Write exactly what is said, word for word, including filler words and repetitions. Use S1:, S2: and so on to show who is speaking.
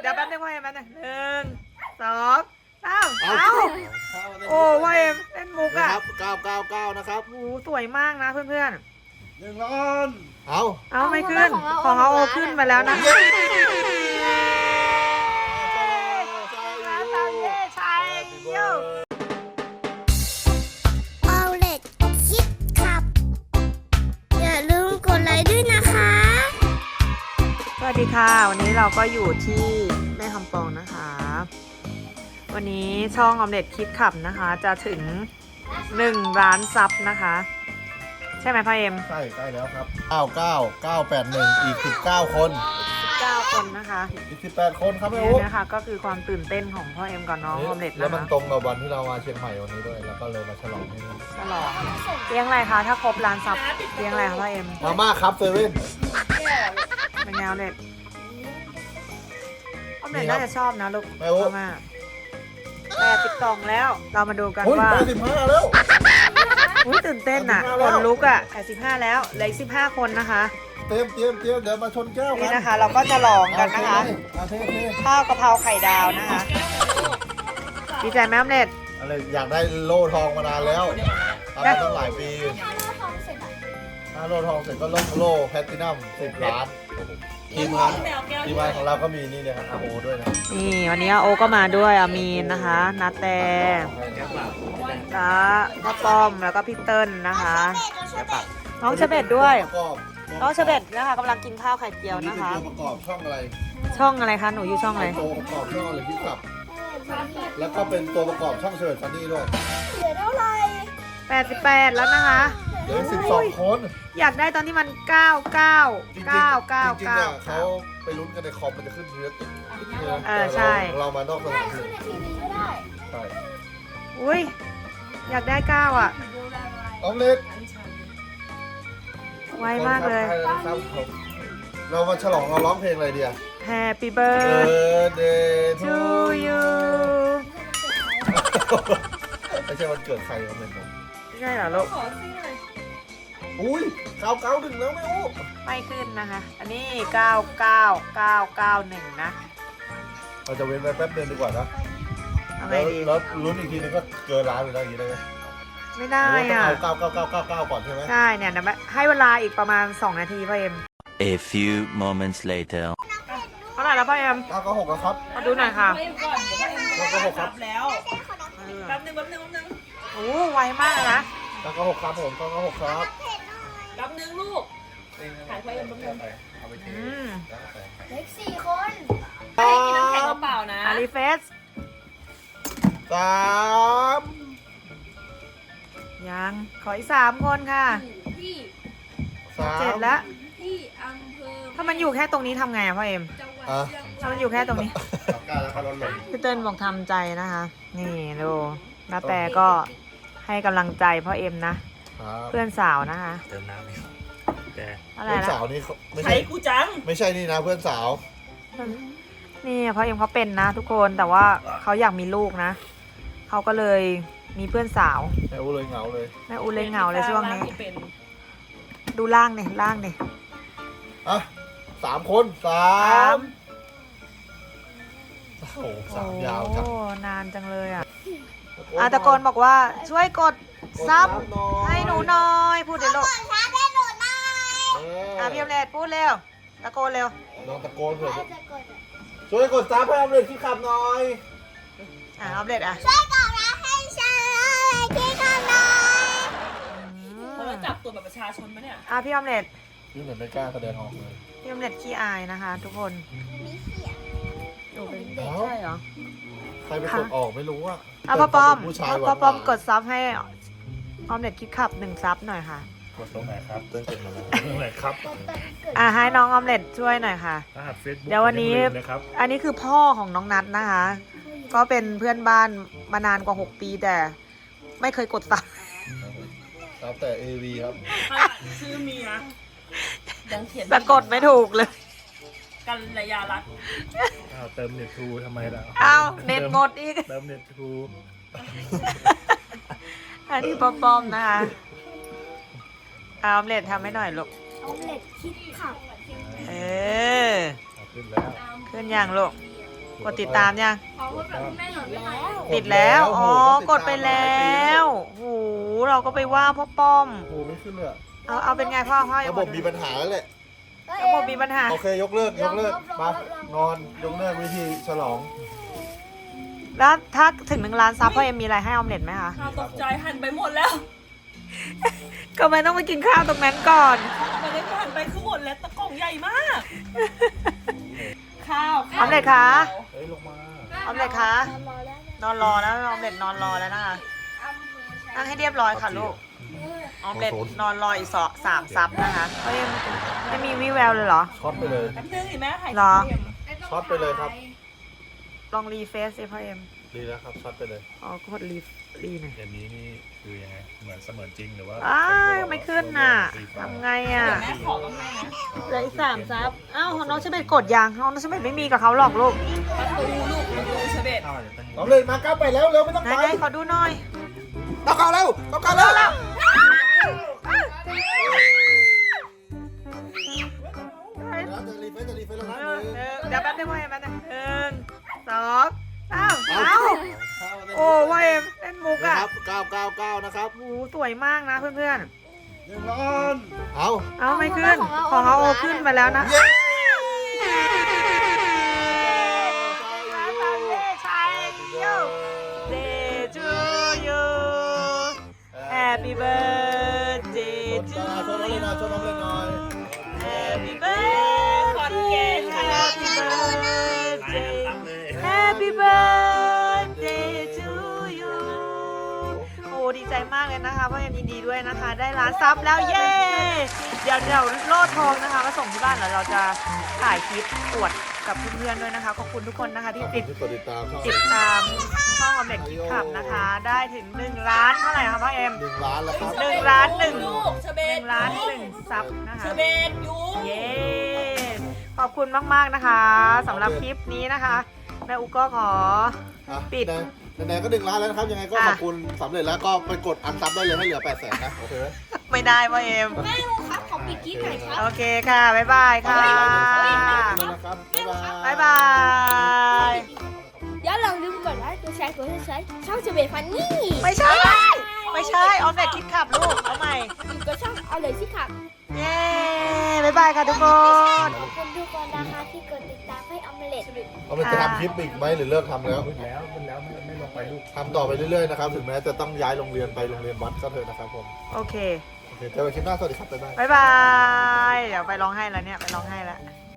S1: จับแป๊บนึงพ่อเอ็มแป๊บนึงหนึ่งสองสามเอาโอ้พ่อเอ็มเล่นมุกอ่ะ
S2: เก้าเก้าเก้านะครับ
S1: โอ้สวยมากนะเพื่อน
S2: หนึ่งล้านเอา
S1: ๆเอาไม่ขึ้นของเขาโอขึ้นมาแล้วนะชัยโย
S3: เอาเล็ดคิดขับอย่าลืมกดไลค์ด้วยนะคะ
S1: สวัสดีค่ะวันนี้เราก็อยู่ที่แม่คำปองนะคะวันนี้ช่องออมเล็ตคิดขับนะคะจะถึงหนึ่งล้านซับนะคะใช่ไหมพ่อเอ็ม
S2: ใช่ใกล้แล้วครับเก้าเก้าเก้าแปดหนึ่งอีกสิบเก้าคน
S1: เก้าคนนะคะ
S2: อีกสิบแปดคนครับแม่โอ๊
S1: นี่นะคะก็คือความตื่นเต้นของพ่อเอ็มกับน้องออมเล็ตนะคะ
S2: แล้วมันตรงกับวันที่เรามาเชียงใหม่วันนี้ด้วยแล้วก็เลยมาฉลองที่นี่
S1: ฉลองเลี้ยงอะไรคะถ้าครบล้านซับเลี้ยงอะไรคะพ่อเอ็ม
S2: มาม่าครับเซเว่น
S1: เป็นแนวเล็ดออมเล็ตน่าจะชอบนะลูกมาม่าแปดสิบสองแล้วเรามาดูกันว่า
S2: แปดสิบห้าแล้ว
S1: อุ้ยตื่นเต้นอ่ะคนลุกอ่ะแปดสิบห้าแล้วเหลืออีกสิบห้าคนนะคะ
S2: เตรียมเตรียมเตรียมเดี๋ยวมาชนแก้วกัน
S1: นี่นะคะเราก็จะลองกันนะคะข้าวกะเพราไข่ดาวนะคะดีใจไหมออมเล็ต
S2: อะไรอยากได้โล่ทองมานานแล้วทำมาตั้งหลายปีถ้าโล่ทองเสร็จก็โล่โล่แพลตินัมสิบล้านทีมงานทีมงานของเราก็มีนี่เลยครับอาโอด้วยนะ
S1: นี่วันนี้โอก็มาด้วยอามีนนะคะนาแตตาพ่อป้อมแล้วก็พี่เติ้ลนะคะน้องเชเบตด้วยน้องเชเบตนะคะกำลังกินข้าวไข่เจียวนะคะ
S2: ตัวประกอบช่องอะไร
S1: ช่องอะไรคะหนูอยู่ช่องอะไร
S2: ตัวประกอบช่องอะไรพี่ขับแล้วก็เป็นตัวประกอบช่องเชิญฟันนี่ด้วย
S3: เหลือเท่าไหร่
S1: แปดสิบแปดแล้วนะคะ
S2: เหลือสิบสองคน
S1: อยากได้ตอนที่มันเก้าเก้าเก้าเก้า
S2: จริงๆอ่ะเขาไปลุ้นกันในคอมมันจะขึ้นเยอะติด
S1: เออใช่
S2: เรามานอกสถานที่ใช่
S1: อุ้ยอยากได้เก้าอ่ะ
S2: ออมเล็ต
S1: ไวมากเลย
S2: เรามาฉลองเราร้องเพลงอะไรดีอ่ะ
S1: Happy birthday to you
S2: ไม่ใช่วันเกิดใครออมเล็ต
S1: ไม่ใช่เหรอลูก
S2: อุ้ยเก้าเก้าหนึ่งแล้วไม่โอ้
S1: ไม่ขึ้นนะคะอันนี้เก้าเก้าเก้าเก้าหนึ่งนะ
S2: เราจะเว้นไปแป๊บเดียวดีกว่านะ
S1: เอาไงดี
S2: แล้วลุ้นอีกทีนึงก็เกินล้านไปแล้วอย่างนี้ได้ไหม
S1: ไม่ได้อ่ะ
S2: เอาเก้าเก้าเก้าเก้าเก้าก่อนใช่ไหม
S1: ใช่เนี่ยนะให้เวลาอีกประมาณสองนาทีพ่อเอ็ม
S4: A few moments later
S1: เท่าไหร่แล้วพ่อเอ็ม
S2: เก้าเก้าหกแล้วครับ
S1: มาดูหน่อยค่ะ
S2: เก้าเก้าหกครับ
S5: แล้วแป๊บนึงแป๊บนึงแป๊บนึง
S1: โอ้ไวมากนะ
S2: เก้าเก้าหกครับผมเก้าเก้าหกครับ
S5: แป๊บนึงลูกถ่ายไว้แป๊บนึง
S2: เอาไปเท
S3: เล็กสี่คน
S5: ไม่ได้กินน้ำแข็งเปล่านะ
S1: อารีเฟส
S2: สาม
S1: ยังขออีกสามคนค่ะเจ็ดแล้วถ้ามันอยู่แค่ตรงนี้ทำไงอะพ่อเอ็มถ้ามันอยู่แค่ตรงนี้พี่เติ้ลบอกทำใจนะคะนี่ดูนาแต่ก็ให้กำลังใจพ่อเอ็มนะเพื่อนสาวนะคะ
S4: เติมน้ำไหมแก
S1: อะไรนะ
S2: เพื่อนสาวนี่
S5: ไม่ใช่กูจัง
S2: ไม่ใช่นี่นะเพื่อนสาว
S1: นี่พ่อเอ็มเขาเป็นนะทุกคนแต่ว่าเขาอยากมีลูกนะเขาก็เลยมีเพื่อนสาว
S2: แม่อูเลยเหงาเลย
S1: แม่อูเลยเหงาเลยช่วงนี้ดูล่างเนี่ยล่างเนี่ย
S2: อ่ะสามคนสามโอ้โหสามยาวจัง
S1: โอ้นานจังเลยอ่ะอาตะโกนบอกว่าช่วยกดซับให้หนูหน่อยพูดเดี๋ยวลูกอ่ะพี่อมเล็ตพูดเร็วตะโกนเร็ว
S2: น้องตะโกนเถอะช่วยกดซับให้อมเล็ตที่ขับหน่อย
S1: อ่ะอมเล็ตอ่ะ
S3: ช่วยกดซับให้ฉันที่ขับหน่อย
S5: เขาจะจับตัวแบบประชาชนไหมเนี่ย
S1: อ่ะพี่อมเล็ต
S2: พี่เหมือนไม่กล้าแสดงออกเลย
S1: พี่อมเล็ตขี้อายนะคะทุกคนหนูเป็นเด็กใช่เหรอ
S2: ใครไปกดออกไม่รู้อ่ะ
S1: อ่ะพ่อป้อมพ่อป้อมกดซับให้ออมเล็ตคิดขับหนึ่งซับหน่อยค่ะ
S2: กดตรงไหนครับเติ้ลกดมาตรงไหนครับ
S1: อ่ะให้น้องออมเล็ตช่วยหน่อยค่ะเดี๋ยววันนี้อันนี้คือพ่อของน้องนัทนะคะก็เป็นเพื่อนบ้านมานานกว่าหกปีแต่ไม่เคยกดซับ
S2: ซับแต่ เอ วี ครับ
S5: ชื่อเมียยังเขียน
S1: สะกดไม่ถูกเลย
S5: กันระยะรัก
S2: อ้าวเติมเน็ตทูทำไมล่ะ
S1: อ้าวเน็ตหมดอีก
S2: เติมเน็ตทู
S1: อันนี้ป้อมๆนะคะเอาออมเล็ตทำให้หน่อยลูก
S3: ออมเล็ตคิดขับ
S1: เออขึ้นแล้วขึ้นอย่างลูกกดติดตามยัง
S5: ขอพูดแบบแม่หน่อยไม่ไหม
S1: ติดแล้ว อ๋อ กดไปแล้วโหเราก็ไปว่าพ่อป้อม
S2: โอ้โหไม่ขึ้นเลยอะ
S1: เอาเอาเป็นไงพ่อพ่อ
S2: ระบบมีปัญหาแล้วแหละ
S1: ระบบมีปัญหา
S2: โอเคยกเลิกยกเลิกมานอนยกเลิกวิธีฉลอง
S1: แล้วถ้าถึงหนึ่งล้านซับพ่อเอ็มมีอะไรให้ออมเล็ตไหมคะ
S5: ข้าวตกใจหันไปหมดแล้ว
S1: ก็ไม่ต้องไปกินข้าวตรงนั้นก่อน
S5: ไม่ได้หันไปคือหมดแล้วตะกล่องใหญ่มาก ข้าว
S1: ออมเล็ตคะ
S2: เฮ้ยลงมา
S1: ออมเล็ตคะ นอนรอแล้วออมเล็ตนอนรอแล้วนะคะนั่งให้เรียบร้อยค่ะลูก ออมเล็ตนอนรออีกสองสามซับนะคะพ่อเอ็มไม่มีวี่แววเลยเหรอ
S2: ช็อตไปเลย
S5: แป๊บนึงอีแม่ถ่าย
S1: เหรอ
S2: ช็อตไปเลยครับ
S1: ลองรีเฟซสิพ่อเอ็ม
S2: ดีแล้วครับช็อตไปเลย
S1: อ๋อกดรีรีหน่อย
S6: เกมนี้นี่คือยังไง เหมือนเสมือนจริงหรือว่า
S1: อ้าวไม่ขึ้นน่ะทำไงอ่ะ
S5: แม่ขอกับแม่นะ
S1: เหลืออีกสามซับอ้าวของน้องเชเบตกดยังน้องเชเบตไม่มีกับเขาหรอกลูก
S5: ประตูลูกประตูเชเบต
S6: ข้าวจะเป็น
S2: เอาเลยมาก้าวไปแล้วเร็วไม่ต้อง
S1: ไหน
S2: ไป
S1: ไหนขอดูหน่อย
S2: ต้องก้าวเร็วต้องก้าวเร็วแล้ว จะรีเฟซจะรีเฟซแล้วนะ
S1: เออเดี๋ยวแป๊บนึงพ่อเอ็มแป๊บนึงหนึ่งสองสามเอ้าโอ้พ่อเอ็มเล่นมุก
S2: นะ
S1: อ่ะ
S2: ครับเก้าเก้าเก้านะครับ
S1: โอ้สวยมากนะเพื่อน
S2: หนึ่งล้านเอา
S1: ๆ เอาไม่ขึ้น ของเขาโอขึ้นมาแล้วนะ
S2: เย้
S1: Day to you Happy birthday
S2: ช
S1: to
S2: นน้องเลยหน่อยชนน้องเลยหน่อย
S1: Happy birthday Happy birthday Happy birthday to you โอ้ดีใจมากเลยนะคะพ่อเอ็มยินดีด้วยนะคะ ได้ล้านซับแล้วเย้ เดี๋ยวเดี๋ยวโล่ทองนะคะมาส่งที่บ้านแล้วเราจะถ่ายคลิปอวดกับเพื่อนๆด้วยนะคะ ขอบคุณทุกคนนะคะที่ติด
S2: ที่กดติดตามช่อง
S1: ติดตามช่องออมเล็ตคิดขับนะคะ ได้ถึงหนึ่งล้านเท่าไหร่คะพ่อเอ็ม
S2: หนึ่งล้านแล้วครับ
S1: หนึ่งล้านหนึ่ง
S5: ลูกเชเบ
S1: ห
S5: ต
S1: นึ่งล้านหนึ่งซับนะคะ
S5: เชเบตยู
S1: เย้ ขอบคุณมากๆนะคะสำหรับคลิปนี้นะคะแม่อุก็ขอ
S2: อ่ะ
S1: ปิด
S2: ไหนๆก็หนึ่งล้านแล้วนะครับ ยังไงก็
S1: อ่ะ
S2: ขอบคุณสำเร็จแล้วก็ไปกดอันซับได้เลยให้เหลือแปดแสนนะโอเคไหม
S1: ไม่ได้พ่อเอ็ม
S3: แม่ลูกครับขอปิดคลิปหน่อยครับ
S1: โอเคค่ะ บ๊ายบายค่ะ
S2: นะครับบ๊ายบาย
S1: บ๊ายบาย
S3: อย่าลืมลืมกดไลค์กดแชร์กดซับสไครต์ช่องเจเบฟันนี่
S1: ไม่ใช่ ไม่ใช่ออมเล็ตคิดขับลูก เอาใหม่
S3: อยู่กับช่องเอาเลยสิครับ
S1: เย้ บ๊ายบายค่ะทุกคน
S3: ขอบคุณทุกคนนะคะที่กดติดตามให้ออมเล็ต
S2: เอาไปจะทำคลิปอีกไหมหรือเลิกทำแล้ว
S6: แล้วเป็นแล้วไม่ไม่ลงไปลูก
S2: ทำต่อไปเรื่อยๆนะครับ ถึงแม้จะต้องย้ายโรงเรียนไปโรงเรียนวัดก็เถอะนะครับผม
S1: โอเค
S2: โอเคเจอกันคลิปหน้าสวัสดีครับบ๊ายบาย
S1: บ๊ายบาย เดี๋ยวไปร้องไห้แล้วเนี่ย ไปร้องไห้แล้ว